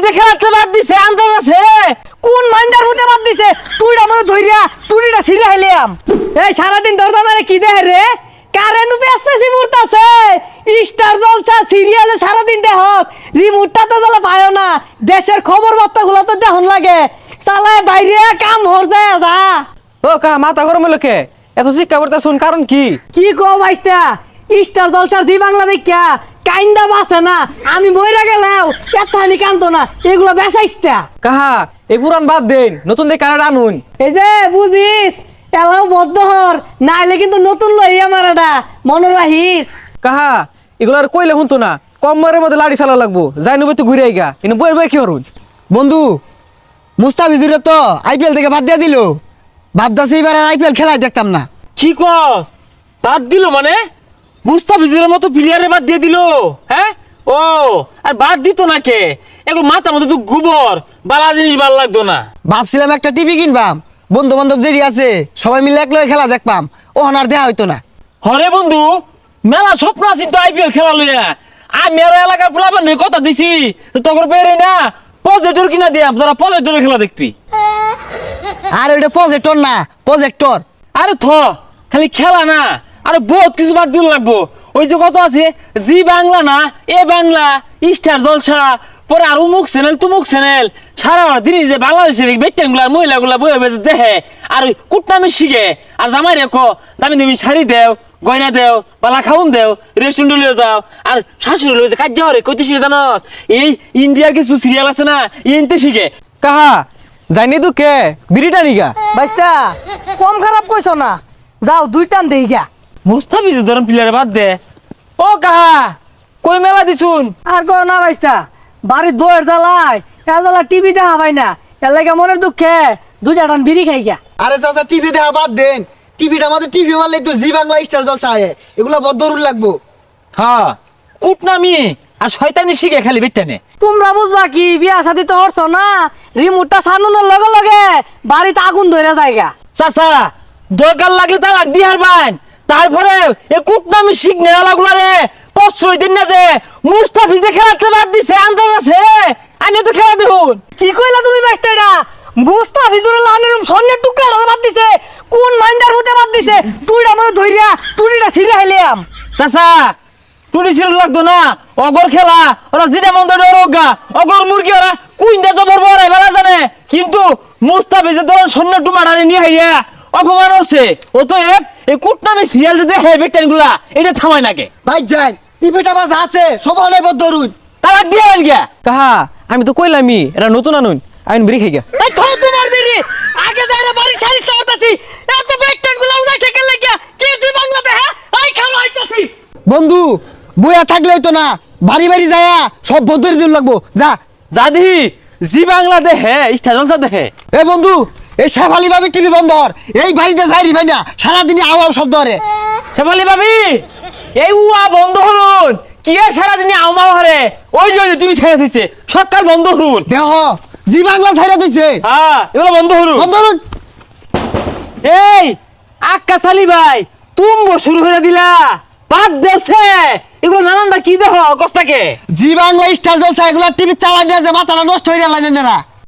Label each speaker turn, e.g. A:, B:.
A: ভিজে খেলাতে বাদ দিছে আন্দাজ আছে
B: কোন মাইন্ডার মধ্যে বাদ দিছে তুইটা মনে ধইরা তুইটা ছিঁড়ে হেলিয়াম এই সারাদিন দরদা মারে কি দেখ রে কারেন্ট পেছাছি মুরতাছে স্টার জলসা সিরিয়ালে সারাদিন দেখস রিমোটটা তো জ্বালা পায়ও না দেশের খবর বার্তাগুলো তো দেখুন লাগে চালায় বাইরে কাম হর যায় যা
C: ও কা মাথা গরম লোকে এত শিক্ষা করতে শুন কারণ
B: কি কো ভাইস্তা স্টার জলসার দি বাংলা দেখা কাইন্দা বাসে না আমি মইরা গেলাও এতখানি কান্দো না এগুলো বেসাইস্তা
C: কাহা এই পুরান বাদ দেন নতুন দিয়ে কানাডা আনুন
B: এই যে বুঝিস এলাও বদ্ধ হর নাইলে কিন্তু নতুন লই আমার এটা মনে রাখিস
C: কাহা এগুলো আর কইলে শুনতো না কম মারের মধ্যে লাড়ি চালা লাগবো যাই নবে তো ঘুরে আইগা কিন্তু বই বই কি হরুন
D: বন্ধু মুস্তাফিজুরে তো আইপিএল থেকে বাদ দিয়ে দিল ভাবতাছি এবার আইপিএল খেলায় দেখতাম না।
A: কি কস বাদ দিল মানে মুস্তাফিজের মতো প্লেয়ারে বাদ দিয়ে দিল হ্যাঁ ও আর বাদ দিত না কে এখন মাথা মতো তো গোবর বালা জিনিস ভালো লাগতো না
D: ভাবছিলাম একটা টিভি কিনবাম বন্ধু বান্ধব যেটি আছে সবাই মিলে এক লগে খেলা দেখবাম ও আর দেয়া হইতো না।
A: হরে বন্ধু মেলা স্বপ্ন আছি তো আইপিএল খেলা লইয়া আমি আর এলাকার পোলাপান কথা দিছি তখন বেরে না প্রজেক্টর কিনা দিয়াম তোরা প্রজেক্টরের খেলা দেখবি
D: আর ওইটা প্রজেক্টর না প্রজেক্টর।
A: আরে থ খালি খেলা না আরে বহুত কিছু বাদ দিল লাগবো ওই যে কত আছে জি বাংলা না এ বাংলা স্টার জলসা পরে আর উমুক চ্যানেল তুমুক চ্যানেল সারা দিন যে বাংলাদেশের বেটেনগুলার মহিলাগুলা বয়ে বেজে দেখে আর ওই কুটনামি শিখে আর জামাই রেখো দামি দামি শাড়ি দেও গয়না দেও পালা খাউন দেও রেস্টুরেন্টে লিয়ে যাও আর শাশুড়ি লয়ে যে কাজ যাও রে কইতে শিখে জানোস এই ইন্ডিয়ার কিছু সিরিয়াল আছে না ইনতে শিখে
C: কাহা যাইনি তো কে বিড়িটা নিগা
B: ভাইস্তা কম খারাপ কইছো না যাও দুই টান দেই গা
A: মুস্তাফিজের ধরন প্লেয়ারে বাদ দে ও কাহা কই মেলা দিছুন
B: আর কো না ভাইস্তা বাড়ির বউয়ের জ্বালায় এ জ্বালা টিভি দেখা পাই না এর লাগে মনের দুঃখে দুইটা টান বিড়ি খাই গা
D: আরে চাচা টিভি দেখা বাদ দেন টিভিটা আমাদের টিভি মারলেই তো জি বাংলা স্টার জলসা আয়ে এগুলা বড় দরুন লাগবো।
A: হ্যাঁ কুটনামি আর শয়তানি শিখে খালি বেটেনে
B: তোমরা বুঝবা কি বিয়া শাদি তো হরছ না রিমোটটা সানুনের লগে লগে বাড়িতে আগুন ধরে যায়গা
A: চাচা দরকার লাগলে তালাক দি হারবান তারপরে এ কুটনামি শিখ নেওয়ালাগুলা রে প্রশ্রয় দিন না যে মুস্তাফিজে খেলাতে বাদ দিছে আন্দাজ আছে আনি তো খেলা দেখুন
B: কি কইলা তুমি বাইস্তা এটা মুস্তাফিজুর লাহানের স্বর্ণের টুকরা বাদ দিছে কোন মাইন্ডার মধ্যে বাদ দিছে তুইটা মনে ধইরা তুইটা ছিঁড়ে হেলিয়াম
A: চাচা টুনি ছিল লাগতো না অগর খেলা ওরা যেটা মন দেয় রোগা অগর মুরগি ওরা কুইন্দা জবর বড় বেলা জানে কিন্তু মুস্তাফিজে ধরুন স্বর্ণ টুমাটারে নিয়ে হাইয়া অপমান হচ্ছে ও তো এক এই কুটনামি সিরিয়াল যে দেখে বেটেনগুলা এটা থামায় নাকে
D: ভাই যাই টিভিটা বাস আছে সবাই নাই বড় দরুন
A: তালাক দিয়ে গেল গিয়া
C: কাহা আমি তো কইলামই এটা নতুন আনুন আইন বিড়ি খাই গা
B: এই থো তোমার বেরি আগে যাইরা বাড়ি সারি সারতাছি এত ব্যাকটেন গুলা উজাইছে কেন লাগিয়া কি জি বাংলাতে হ্যাঁ এই খালো আইতাছি
D: বন্ধু বইয়া থাকলেই তো না বাড়ি বাড়ি যায়া সব বদরে দিন লাগবো যা।
A: জাদি জি বাংলা দেখে স্টেশন দেখে
D: এ বন্ধু এই শেফালি ভাবি টিভি বন্ধ হর এই বাড়িতে যাই ভাই না সারাদিনই আওয়াও শব্দ হরে।
A: শেফালি ভাবি এই উয়া বন্ধ হরুন কি আর সারাদিনে আউমাও হরে ওই যে তুমি ছেড়ে দিছে সকাল বন্ধ হরুন
D: দেহ জি বাংলা ছাইরা দিছে
A: হ্যাঁ এগুলো বন্ধ হরুন
D: বন্ধ হরুন।
A: এই আক্কা সালি ভাই তুমি শুরু করে দিলা বাদ দেছে এগুলো নানানটা কি দেখো কষ্টাকে
D: জি বাংলা স্টার জলসা এগুলা টিভি চালাই না যে মাথাটা নষ্ট হয়ে গেল না